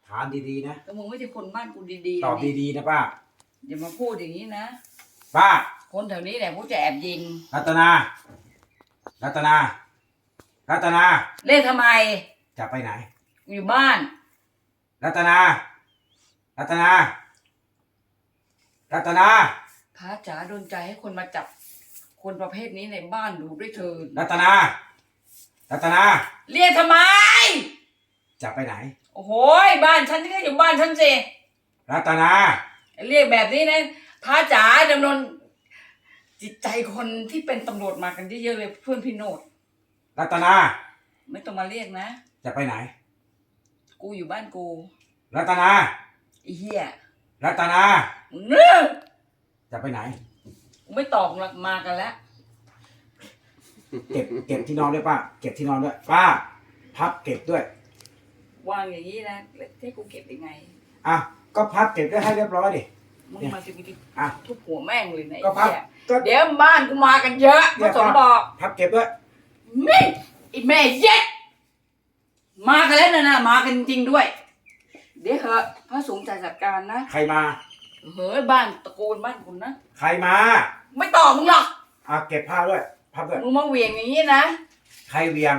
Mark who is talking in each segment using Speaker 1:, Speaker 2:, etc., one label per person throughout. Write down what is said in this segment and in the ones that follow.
Speaker 1: ถามดีๆนะ
Speaker 2: แต่มึงไม่ใช่คนบ้านกูดีๆ
Speaker 1: ตอบดีๆนะป้า
Speaker 2: อย่ามาพูดอย่างนี้นะ
Speaker 1: ป้า
Speaker 2: คนแถวนี้แหละพวกจะแอบยิง
Speaker 1: รัตนารัตนารัตนา
Speaker 2: เรียกทำไม
Speaker 1: จะไปไหน
Speaker 2: อยู่บ้าน
Speaker 1: รัตนารัตนารัตนา
Speaker 2: พระจ๋าโดนใจให้คนมาจับคนประเภทนี้ในบ้านดูด้วยเถิด
Speaker 1: รัตนารัตนา
Speaker 2: เรียกทำไม
Speaker 1: จะไปไหน
Speaker 2: โอ้โหบ้านฉันก็อยู่บ้านฉันสิ
Speaker 1: รัตนา
Speaker 2: เรียกแบบนี้นะพระจ๋าดำเนินจิตใจคนที่เป็นตำรวจมากันเยอะๆเลยเพื่อนพี่โนด
Speaker 1: รัตนา
Speaker 2: ไม่ต้องมาเรียกนะ
Speaker 1: จะไปไหน
Speaker 2: กูอยู่บ้านกู
Speaker 1: รัตนา
Speaker 2: ไอ้เหี้ย
Speaker 1: รัตนา
Speaker 2: มึงเนื้อ
Speaker 1: จะไปไหน
Speaker 2: กูไม่ตอบหรอกมากันแล้ว
Speaker 1: เก็บที่นอนด้วยป้าเก็บที่นอนด้วยป้าพับเก็บด้วย
Speaker 2: วางอย่างนี้นะแล้วให้กูเก็บยังไง
Speaker 1: อ่ะก็พับเก็บได้ให้เรียบร้อยดิ
Speaker 2: มึงมาสิกูจะทุบหัวแม่งเลยนะไอ้เหี้ยเดี๋ยวบ้านกูมากันเยอะพระสงฆ์บอก
Speaker 1: พับเก็บด้วย
Speaker 2: นี่ไอ้แม่เย็ดมากันแล้วนะมากันจริงด้วยเดี๋ยวเหอะพระสงฆ์จะจัดการนะ
Speaker 1: ใครมา
Speaker 2: เฮ้ยบ้านตะโกนบ้านคุณนะ
Speaker 1: ใครมา
Speaker 2: ไม่ตอบมึงหรอก
Speaker 1: เก็บผ้าด้วยพับด้วย
Speaker 2: มึงมาเหวี่ยงอย่างนี้นะ
Speaker 1: ใครเวียง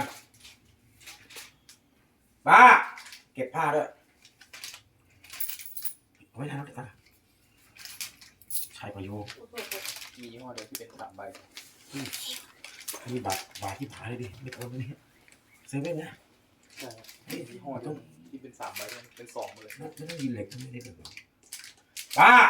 Speaker 1: ป้าเก็บผ้าด้วยเอาไว้นะน้องเด็กนะใช่ประโยชน์
Speaker 3: มียี่ห้อเดียวที่เป็น3 ใบ
Speaker 1: นี่บาทที่ผาเลยดิไม่โอนเลยเซเว่นนะ
Speaker 3: ใช่ยี่ห้อต้องที่เป็น3 ใบเป็น2เลย
Speaker 1: ไม่ต้องยินเหล็กไม่ได้แบบป้า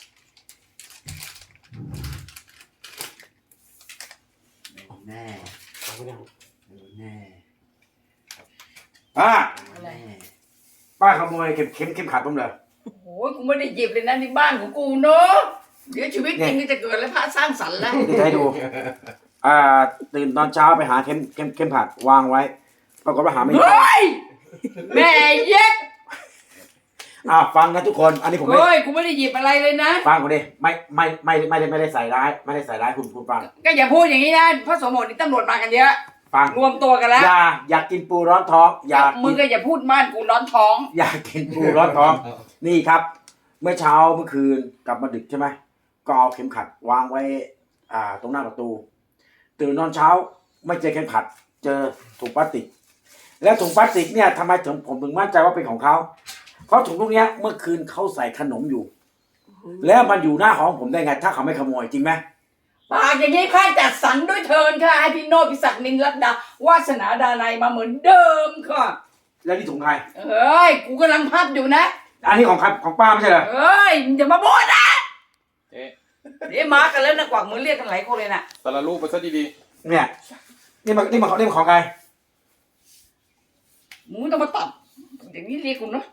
Speaker 4: แน่
Speaker 1: เอาไปยัง
Speaker 4: แน่
Speaker 1: ป้า
Speaker 2: อะไร
Speaker 1: ป้าขโมยเข็มขัดผมเลย
Speaker 2: โอ้โหกูไม่ได้หยิบเลยนะในบ้านของกูเนาะเดี๋ยวชีวิตจริงจะเกิดแล้วพระสร้างสรรค์แล้ว
Speaker 1: จะให้ดูตื่นตอนเช้าไปหาเข็มขัดวางไว้ปรากฏว่าหาไม่เจอ
Speaker 2: แม่เย็ด
Speaker 1: ฟังนะทุกคนอันนี้ผม
Speaker 2: เฮ้ยกูไม่ได้หยิบอะไรเลยนะ
Speaker 1: ฟังกูดิไม่ได้ใส่ร้ายไม่ได้ใส่ร้ายคุณฟัง
Speaker 2: ก็อย่าพูดอย่างนี้นะพระสมบูรณ์นี่ตำรวจมากันเยอะ
Speaker 1: ฟัง
Speaker 2: รวมตัวกันแล้ว
Speaker 1: อยากกินปูร้อนท้อง
Speaker 2: มึงก็อย่าพูดม่านกูร้อนท้อง
Speaker 1: อยากกินปูร้อนท้องนี่ครับเมื่อเช้าเมื่อคืนกลับมาดึกใช่ไหมก็เอาเข็มขัดวางไว้ตรงหน้าประตูตื่นนอนเช้าไม่เจอเข็มขัดเจอถุงพลาสติกแล้วถุงพลาสติกเนี่ยทำไมผมถึงมั่นใจว่าเป็นของเขาเพราะถุงพวกนี้เมื่อคืนเขาใส่ขนมอยู่แล้วมันอยู่หน้าของผมได้ไงถ้าเขาไม่ขโมยจริงไหม
Speaker 2: ปากอย่างนี้ข้าจัดสรรด้วยเทินค่ะให้พี่โนพิศักดิ์นินรัตดาวาสนาดานัยมาเหมือนเดิมค่ะ
Speaker 1: แล้วนี่ถุงใคร
Speaker 2: เอ้ยกูกำลังพับอยู่นะ
Speaker 1: อันนี้ของใครของป้าไม่ใช่เหรอ
Speaker 2: เอ้ยอย่ามาบ่นนะเดี๋ยวมากันแล้วนะกวักมือเรียกกันหลายคนเลยนะ
Speaker 3: แต่ละรูปไปซะดี
Speaker 1: ๆเนี่ยนี่มันของใคร
Speaker 2: มึงไม่ต้องมาตัดอย่างนี้เรียกกูนะ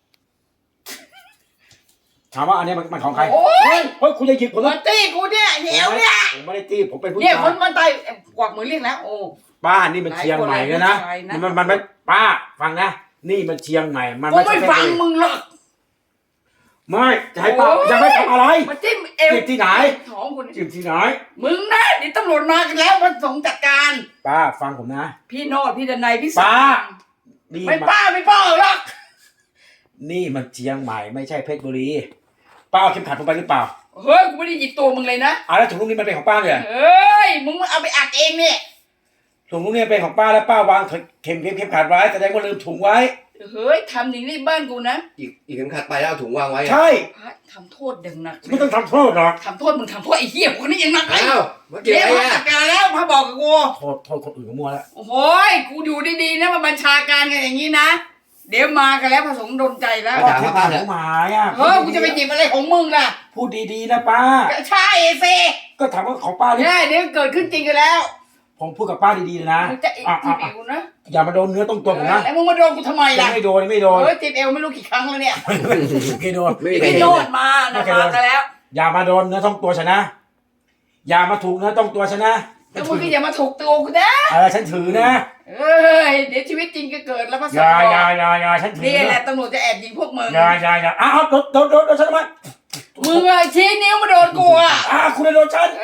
Speaker 1: ถามว่าอันนี้มันของใคร
Speaker 2: โอ้ย
Speaker 1: คุณจะหยิบผม
Speaker 2: มาตีกูเนี่ยเหี้ยวเนี่ย
Speaker 1: ผมไม่ได้ตีผมเป็นผู้ชาย
Speaker 2: เนี่ยคนมันตายกวักมือเรียกแล้วโอ้
Speaker 1: ป้านี่มันเชียงใหม่แล้วนะมันไม่ป้าฟังนะนี่มันเชียงใหม่มัน
Speaker 2: ไม่ฟังมึงหรอก
Speaker 1: ไม่จะให้ป้าจะไม่ทำอะไร
Speaker 2: มาจิ้มเอว
Speaker 1: ที่ไหน
Speaker 2: ท้องคุณ
Speaker 1: จิ้มที่ไหน
Speaker 2: มึงนะเดี๋ยวตำรวจมากันแล้วมาส่งจัดการ
Speaker 1: ป้าฟังผมนะ
Speaker 2: พี่โนดพี่ดนัยพี่
Speaker 1: ป้า
Speaker 2: ไม่ป้าหรอก
Speaker 1: นี่มันเชียงใหม่ไม่ใช่เพชรบุรีป้าเอาเข็มขัดผมไปหรือเปล่า
Speaker 2: เฮ้ยกูไม่ได้หยิบตัวมึงเลยนะ
Speaker 1: แล้วถุงลูกนี้มันเป็นของป้าเลย
Speaker 2: เฮ้ยมึงเอาไปอัดเองเนี่ย
Speaker 1: ถุงลูกนี้เป็นของป้าแล้วป้าวางเข็มขัดไว้แสดงว่าลืมถุงไว้
Speaker 2: เฮ้ยทำอย่างนี้บ้านกูนะ
Speaker 4: อีกเข็มขัดไปแล้วเอาถุงวางไว้
Speaker 1: ใช่
Speaker 2: ทำโทษดังหนัก
Speaker 1: ไม่ต้องทำโทษหรอก
Speaker 2: ทำโทษมึงทำโทษไอ้เหี้ยคนนี้ยังหนักเลย
Speaker 4: เดี๋ยว
Speaker 2: จัดการแล้วพระบอกกับกู
Speaker 1: โทษคนอื่นก็มัวแล้ว
Speaker 2: โอ้โหกูอยู่ดีๆนะมาบัญชาการกันอย่างนี้นะเดี๋ยวมากันแล้วพระสงฆ์โดนใจแล้ว
Speaker 1: ป้าเหลือหมาย
Speaker 2: กูจะไปหยิบอะไรของมึงล่ะ
Speaker 1: พูดดีๆนะป้า
Speaker 2: ใช่เซ
Speaker 1: ก็ถามว่าของป้า
Speaker 2: เนี่ยเดี๋ยวเกิดขึ้นจริงกันแล้ว
Speaker 1: ผมพูดกับป้าดีๆเลยนะ
Speaker 2: จะจีบเอวนะ
Speaker 1: อย่ามาโดนเนื้อต้องตัวผมนะ
Speaker 2: แล้วมึงมาโดนกูทำไมล่ะ
Speaker 1: ไม่โดน
Speaker 2: จีบเอวไม่รู้กี่ครั้งแล้วเนี่ย
Speaker 1: ไม่โดน
Speaker 2: ไม่โดนมานะมากันแล้ว
Speaker 1: อย่ามาโดนเนื้อต้องตัวฉันนะอย่ามาถูกเนื้อต้องตัวฉันนะ
Speaker 2: แล้วมึงก็อย่ามาถูกตัวกูนะ
Speaker 1: ฉันถือนะ
Speaker 2: เดี๋ยวชีวิตจริงก็เกิดแล้วพระสงฆ์
Speaker 1: อย่าฉันถือ
Speaker 2: นี่แหละตำรวจจะแอบยิงพวกมึง
Speaker 1: อย่าโดนฉันทำไม
Speaker 2: มึงชี้นิ้วมาโดนกู
Speaker 1: คุณโดนฉัน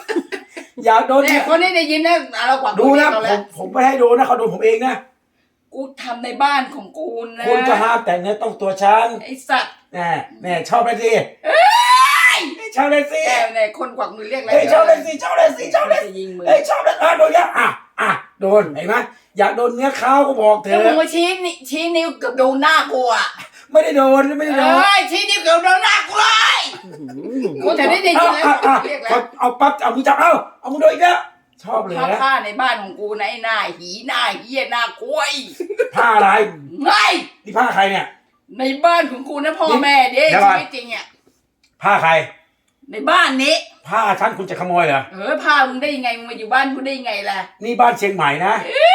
Speaker 1: อย่าโดน
Speaker 2: เนี่ยคนนี้ได้ยินนะเรากวัก
Speaker 1: ดูนะผมไม่ให้โดนนะเขาโดนผมเองนะ
Speaker 2: กูทำในบ้านของกูนะ
Speaker 1: คุณก็ห้ามแต่เนื้อต้องตัวฉัน
Speaker 2: ไอ้สัตว์
Speaker 1: แน่ชอบเลยสิชอบเลยสิ
Speaker 2: แกเนี่ยคนกวักมือเรียกอะไร
Speaker 1: เฮ้ยชอบเลยสิชอบเลยสิชอบเลย
Speaker 2: จะยิงมือ
Speaker 1: เฮ้ยชอบเลยโดนเนี้ยโดนเห็นไหมอยากโดนเนื้อเขาก็บอกเธ
Speaker 2: แล้ว
Speaker 1: อ
Speaker 2: มึงมาชี้นิ้วเกือบโดนหน้ากูอ่ะ
Speaker 1: ไม่ได้โดนไม่ได้โดน
Speaker 2: ชี้นิ้วเกือบโดนหน้ากูเลยกูจะได้ยินแล้วเรียกแล้ว
Speaker 1: เอาปั๊บเอามือจับเอามือโดนอีกแล้วชอบเลย
Speaker 2: ผ้า
Speaker 1: นะ
Speaker 2: ผ้าในบ้านของกูนะไอ้หน้าหีหน้าเหี้ยหน้ากล้วย
Speaker 1: ผ้าอะไร
Speaker 2: ไง
Speaker 1: นี่ผ้าใครเนี่ย
Speaker 2: ในบ้านของกูนะพ่อแม่เด็ก
Speaker 1: เดี๋ยวก่อน
Speaker 2: ชีวิตจริงอ่ะ
Speaker 1: ผ้าใคร
Speaker 2: ในบ้านนี้
Speaker 1: ผ้าฉันคุณจะขโมยเหรอ
Speaker 2: ผ้ามึงได้ยังไงมึงมาอยู่บ้านกูได้ยังไงล่ะ
Speaker 1: นี่บ้านเชียงใหม่นะ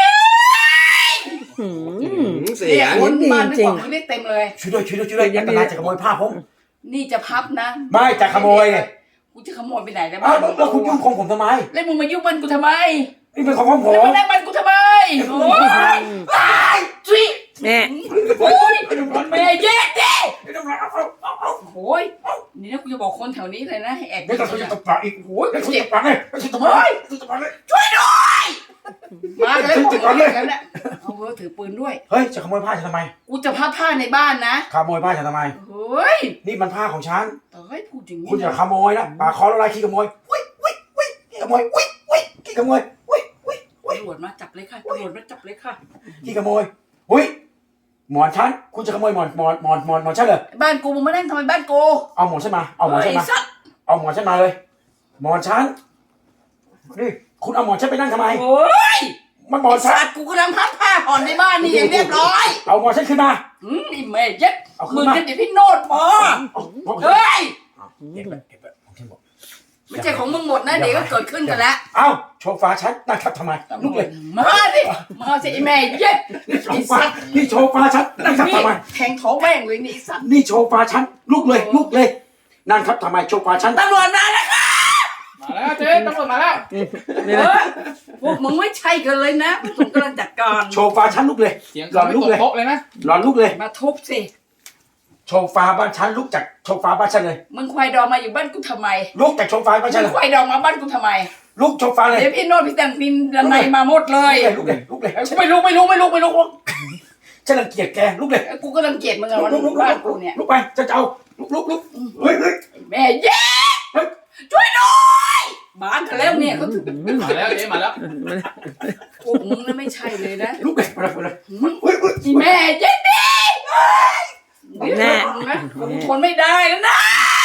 Speaker 4: เสี
Speaker 2: เนี่ย
Speaker 4: ง
Speaker 2: คนบ้านไม่บอกมึงได้เต็มเลย
Speaker 1: ช่วยด้วยอันตรายจะขโมยผ้าผม
Speaker 2: นี่จะพับนะ
Speaker 1: ไม่จะขโมยเนี่ย
Speaker 2: กูจะขโมยไปไหนแล้ว
Speaker 1: อ้าวแล้วคุณยุ่งของผมทำไม
Speaker 2: แล้วมึงมายุ่งบ้านกูทำไม
Speaker 1: นี่เป็นของผม
Speaker 2: แล้วมานั่งบ้านกูทำไมโอ้ยจุ๊ย
Speaker 5: แม่
Speaker 2: โอ้ยแม่เย็ดดิ
Speaker 1: เอา
Speaker 2: โอ้ยนี่นะกูจะบอกคนแถวนี้เลยนะให้แอบ
Speaker 1: ไม่ต้องจะตบปากอีกโอ้ยไม่ต้องตบปากเลยไม่ต้องตบปากเลย
Speaker 2: ช่วยด้วยมากันแล้วบอกเลยกันนะเอาเว้ยถือปืนด้วย
Speaker 1: เฮ้ยจะขโมยผ้าฉันทำไม
Speaker 2: กูจะพับผ้าในบ้านนะ
Speaker 1: ขโมยผ้าฉันทำไม
Speaker 2: เฮ้ย
Speaker 1: นี่มันผ้าของฉัน
Speaker 2: เฮ้ยพูดอย่างนี้
Speaker 1: คุณอย่าขโมยนะปากคอละลายขี้ขโมยขี้ขโมยขี้ขโมย
Speaker 2: ตำรวจมาจับเลยค่ะตำรวจมาจับเลยค่ะ
Speaker 1: ขี้ขโมยหมอนฉันคุณจะขโมยหมอนฉันเหรอ
Speaker 2: บ้านกูมึงมานั่งทำไมบ้านกู
Speaker 1: เอาหมอนฉันมาเอาหมอนฉันมา
Speaker 2: สัตว์
Speaker 1: เอาหมอนฉันมาเลยหมอนฉันนี่คุณเอาหมอนฉันไปนั่งทำไม
Speaker 2: โอ้ย
Speaker 1: มันหมอนฉั
Speaker 2: สั
Speaker 1: น
Speaker 2: ตว์กูกำลังพับผ้าผ่อนในบ้านนี่อย่างเรียบร้อย
Speaker 1: เอาหมอนฉันขึ้นมา
Speaker 2: ไอ้แม่เย็ด
Speaker 1: เอาขึ้
Speaker 2: มึ
Speaker 1: น
Speaker 2: ง
Speaker 1: มา
Speaker 2: กันเดี๋ยวพี่โนดพอ
Speaker 1: เฮ้ย
Speaker 2: เฮ้ย
Speaker 1: เก็บแบบผมที่บอก
Speaker 2: ไม่ใช่ของมึงหมดนะเดี๋ยวก็เกิดขึ้นกันแล้ว
Speaker 1: เอ้าโชว์ฟ้าฉันนั่งทับทำไมลุกเลย
Speaker 2: มาสิมาสิไอ้แม่เย็ด
Speaker 1: นี่โชว์ฟ้านี่โชว์ฟ้าฉันนั่งทับ
Speaker 2: นี่
Speaker 1: ทำไม
Speaker 2: แทงท้องแม่งเลยนี่ไอ้สัตว์
Speaker 1: นี่โชว์ฟ้าฉันลุกเลยนั่งทับทำไมโชว์ฟ้าฉัน
Speaker 2: ตำรวจมาแล้วค่ะ
Speaker 3: มาแล้วเจ๊ตำรวจมาแล้ว
Speaker 2: พวกมึงไม่ใช่กันเลยนะผมกำลังจัดการ
Speaker 1: โชว์ฟ้าฉันลุกเลย
Speaker 3: เสียง
Speaker 1: หลอน
Speaker 3: ไม่
Speaker 1: ลุก
Speaker 3: ตก
Speaker 1: เลย
Speaker 3: โต๊ะเลยนะ
Speaker 1: หลอนลุกเลย
Speaker 2: มาทุบสิ
Speaker 1: โชว์ฟ้าบ้านฉันลุกจากโชว์ฟ้าบ้านฉันเลย
Speaker 2: มึงควายดองมาอยู่บ้านกูทำไม
Speaker 1: ลุกจากโชว์ฟ้าบ้านฉัน
Speaker 2: มึ
Speaker 1: เล
Speaker 2: ง
Speaker 1: ย
Speaker 2: ควายดองมาบ้านกูทำไม
Speaker 1: ลุกโชว์ฟ้าเลย
Speaker 2: เดี๋ยวพี่โนดพี่แตงพินดันในมาหมดเลย
Speaker 1: ลุกเลย
Speaker 2: ไม่ลุก
Speaker 1: ฉันรังเกียจแกลุกเลย
Speaker 2: กูก็รังเกียจมึงอะวันบ้านกูเนี่ย
Speaker 1: ลุกไปจะเอาลุกเฮ้ย
Speaker 2: แม่เย้ช่วยด้วยบ้านกันแล้วเนี่ยเขาถึง
Speaker 3: มาแล้วเจ๊มาแล้ว
Speaker 2: พวกมึงน่ะไม่ใช่เลยนะ
Speaker 1: ลุกเลยมาเลย
Speaker 2: อีแม่เย็ดดิแม่กูทนไม่ได้แล้วนะ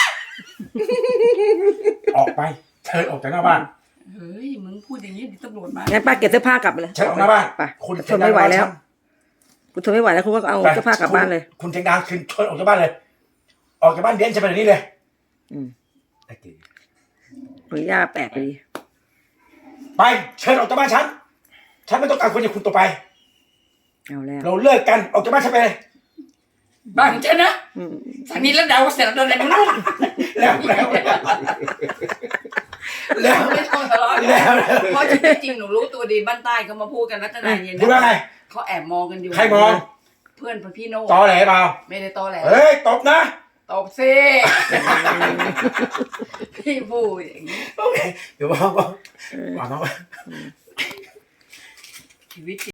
Speaker 1: ออกไปเชิญออกจากหน้าบ้าน
Speaker 2: เฮ้ยมึงพูดอย่างนี้ดิตำรวจมา
Speaker 5: งั้นป้าเก็บเสื้อผ้ากลับไปเลย
Speaker 1: เชิญออกหน้าบ้าน
Speaker 5: ไป
Speaker 1: คุณ
Speaker 5: ทนไม่ไหวแล้วคุณทนไม่ไหวแล้วคุณก็เอาเสื้อผ้ากลับบ้านเลย
Speaker 1: คุณเชียงดาวคืนเชิญออกจากบ้านเลย ออกจากบ้านเด่นจะไปไหนนี่เลย
Speaker 5: หรือย่าแปลกไปดี
Speaker 1: ไปเชิญออกจากบ้านฉันไม่ต้องการคนอย่างคุณต่อไป
Speaker 5: เอาแล้ว
Speaker 1: เราเลิกกันออกจากบ้านฉันไปเลย
Speaker 2: บ้านฉันนะสันนี้แล้วเดาเสร็จแล้วเดินมึงนะ
Speaker 1: แล้ว
Speaker 2: ไม่ต้องทะเลาะเพราะจริงๆหนูรู้ตัวดีบ้านใต้เขามาพูดกันรัตนาเย็น
Speaker 1: คุณว่าไง
Speaker 2: เขาแอบมองกันอยู่
Speaker 1: ใครมอง
Speaker 2: เพื่อนพี่โน่
Speaker 1: ตอแหลเปล่า
Speaker 2: ไม่ได้ตอแหล
Speaker 1: เฮ้ยตบนะ
Speaker 2: ตบสิพี่พูดอย่างนี้
Speaker 1: โอเคเดี๋ยวบอกชีวิต